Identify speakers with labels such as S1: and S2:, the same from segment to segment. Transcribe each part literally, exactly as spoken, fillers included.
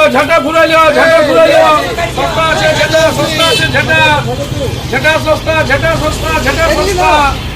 S1: ঝাঁটা ঘুরে যাও, ঝাঁটা ঘুরে যাও। সস্তা আছে ঝাঁটা, সস্তা আছে ঝাঁটা, ঝাঁটা সস্তা, ঝাঁটা সস্তা, ঝাঁটা সস্তা।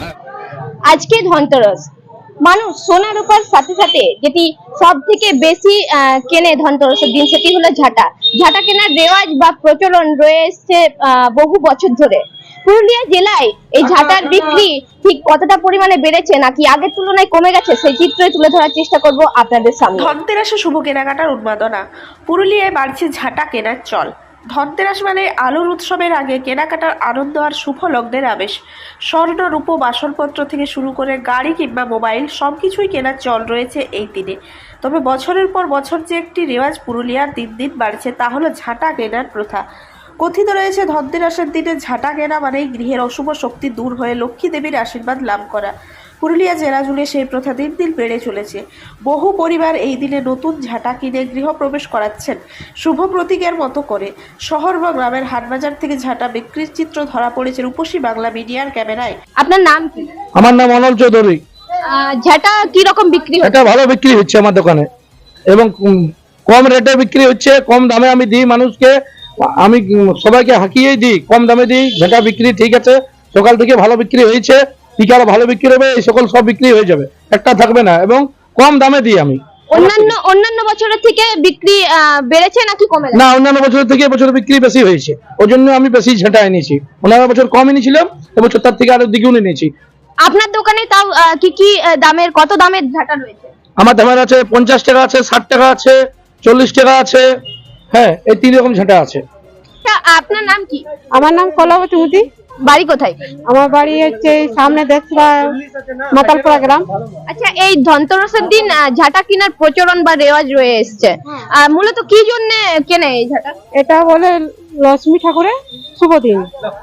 S2: আজকে ধনতেরস, মানুষ সোনার উপর সাথে সাথে যেটি সব থেকে বেশি আহ, কেনে ধনতেরসের দিন, সেটি হলো ঝাঁটা। ঝাঁটা কেনার রেওয়াজ বা প্রচলন রয়েছে আহ, বহু বছর ধরে। পুরুলিয়া জেলায় এই ঝাঁটার বিক্রি ঠিক কতটা পরিমাণে বেড়েছে নাকি আগের তুলনায় কমে গেছে, সেই চিত্রই তুলে ধরার চেষ্টা করব আপনাদের সামনে।
S3: ধনতেরাসে শুভ কেনাকাটার উন্মাদনা, পুরুলিয়ায় বাড়ছে ঝাঁটা কেনার চল। ধনতেরাস মানে আলোর উৎসবের আগে কেনাকাটার আনন্দ আর শুভ লগ্নের আবেশ। স্বর্ণ, রূপো, বাসনপত্র থেকে শুরু করে গাড়ি কিংবা মোবাইল সব কিছুই কেনার চল রয়েছে এই দিনে। তবে বছরের পর বছর যে একটি রেওয়াজ পুরুলিয়ার দিন দিন বাড়ছে, তা হলো ঝাঁটা কেনার প্রথা। কথিত রয়েছে ধনতেরাসের দিনে ঝাঁটা কেনা মানেই গৃহের অশুভ শক্তি দূর হয়ে লক্ষ্মী দেবীর আশীর্বাদ লাভ করা। পুরুলিয়া জেলা জুড়ে সেই প্রথা দিন দিন বেড়ে চলেছে। বহু পরিবার এই দিনে নতুন ঝাঁটা কিনে গৃহপ্রবেশ করাচ্ছেন শুভ প্রতীকের মতো করে। শহর বা গ্রামের হাটবাজার থেকে ঝাঁটা বিক্রির চিত্র ধরা পড়েছে রূপসী বাংলা মিডিয়ার ক্যামেরায়।
S2: আপনার নাম কি?
S4: আমার নাম অনল চৌধুরী।
S2: আহ, ঝাঁটা কি রকম বিক্রি হয়?
S4: এটা ভালো বিক্রি হচ্ছে আমার দোকানে এবং উম, কম রেটে বিক্রি হচ্ছে, কম দামে আমি দিই মানুষকে। আমি উম, সবাইকে হাঁকিয়েই দিই, কম দামে দিই। ঝাঁটা বিক্রি ঠিক আছে, সকাল থেকে ভালো বিক্রি হয়েছে, বিকালে ভালো বিক্রি হবে, এই সকল সব বিক্রি হয়ে যাবে, একটা থাকবে না, এবং কম দামে দিই আমি।
S2: অন্যান্য অন্যান্য বছরের থেকে বিক্রি আহ, বেড়েছে নাকি কমে গেছে?
S4: না, অন্যান্য বছরের থেকে এবছর বিক্রি বেশি হয়েছে, ওই জন্য আমি বেশি ঝাঁটা এনেছি। অন্যান্য বছর কম এনেছিলাম, এবছর তার থেকে আরো দ্বিগুণ এনেছি।
S2: আপনার দোকানে তাও আহ, কি কি আহ, দামের, কত দামের ঝাঁটা রয়েছে?
S4: আমার দামের আছে পঞ্চাশ টাকা আছে, ষাট টাকা আছে, চল্লিশ টাকা আছে। হ্যাঁ, এই তিন রকম ঝাঁটা আছে।
S2: আচ্ছা, আপনার নাম কি?
S5: আমার নাম কলাবতী মুদি।
S2: বাড়ি কোথায়?
S5: আমার বাড়ি হচ্ছে এই সামনে দেখবা মাতালপাড়া গ্রাম।
S2: আচ্ছা, এই ধনতেরসের দিন আহ, ঝাঁটা কেনার প্রচলন বা রেওয়াজ রয়ে এসছে, আহ, মূলত কি জন্য কেনে এই ঝাঁটা?
S5: এটা বলে লক্ষ্মী ঠাকুরের শুভ দিন,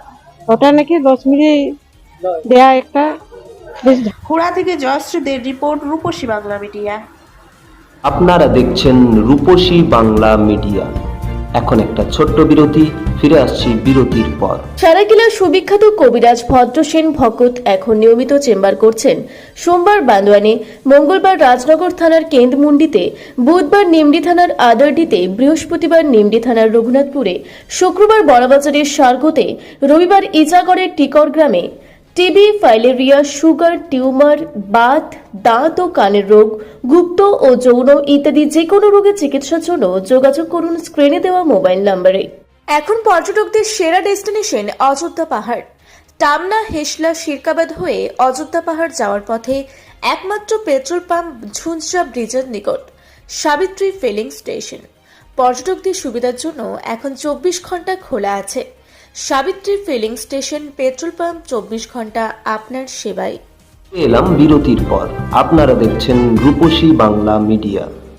S5: ওটা নাকি লক্ষ্মী দেয়া একটা বেশ।
S3: হুড়া থেকে জয়শ্রীদের রিপোর্ট, রূপসী বাংলা মিডিয়া।
S6: আপনারা দেখছেন রূপসী বাংলা মিডিয়া। এখন একটা ছোট্ট বিরতি, ফিরে আসছি বিরতির পর।
S7: সারাকিলার সুবিখ্যাত কবিরাজ ভদ্রসেন ভকত এখন নিয়মিত চেম্বার করছেন সোমবার বান্দোয়ানে, মঙ্গলবার রাজনগর থানার কেন্দ্রমুন্ডিতে, বুধবার নিমডি থানার আদারডিতে, বৃহস্পতিবার নিমডি থানার রঘুনাথপুরে, শুক্রবার বড়বাজারের সার্গতে, রবিবার ইজাগড়ের টিকর গ্রামে। টিবি, ফাইলেরিয়া, সুগার, টিউমার, বাত, দাঁত ও কানের রোগ, গুপ্ত ও যৌন ইত্যাদি যে কোনো রোগের চিকিৎসার জন্য যোগাযোগ করুন স্ক্রিনে দেওয়া মোবাইল নম্বরে। এখন পর্যটকদের সেরা ডেস্টিনেশন অযোধ্যা পাহাড়। টামনা, হেসলা, শিরকাবাদ হয়ে অযোধ্যা পাহাড় যাওয়ার পথে একমাত্র পেট্রোল পাম্প ঝুনঝা ব্রিজের নিকট সাবিত্রী ফিলিং স্টেশন। পর্যটকদের সুবিধার জন্য এখন চব্বিশ ঘন্টা খোলা আছে। Savitri filling station, petrol pump, চব্বিশ ঘন্টা আপনার সেবায়।
S6: এলাম বিরতির পর। আপনারা দেখছেন রূপসী বাংলা মিডিয়া।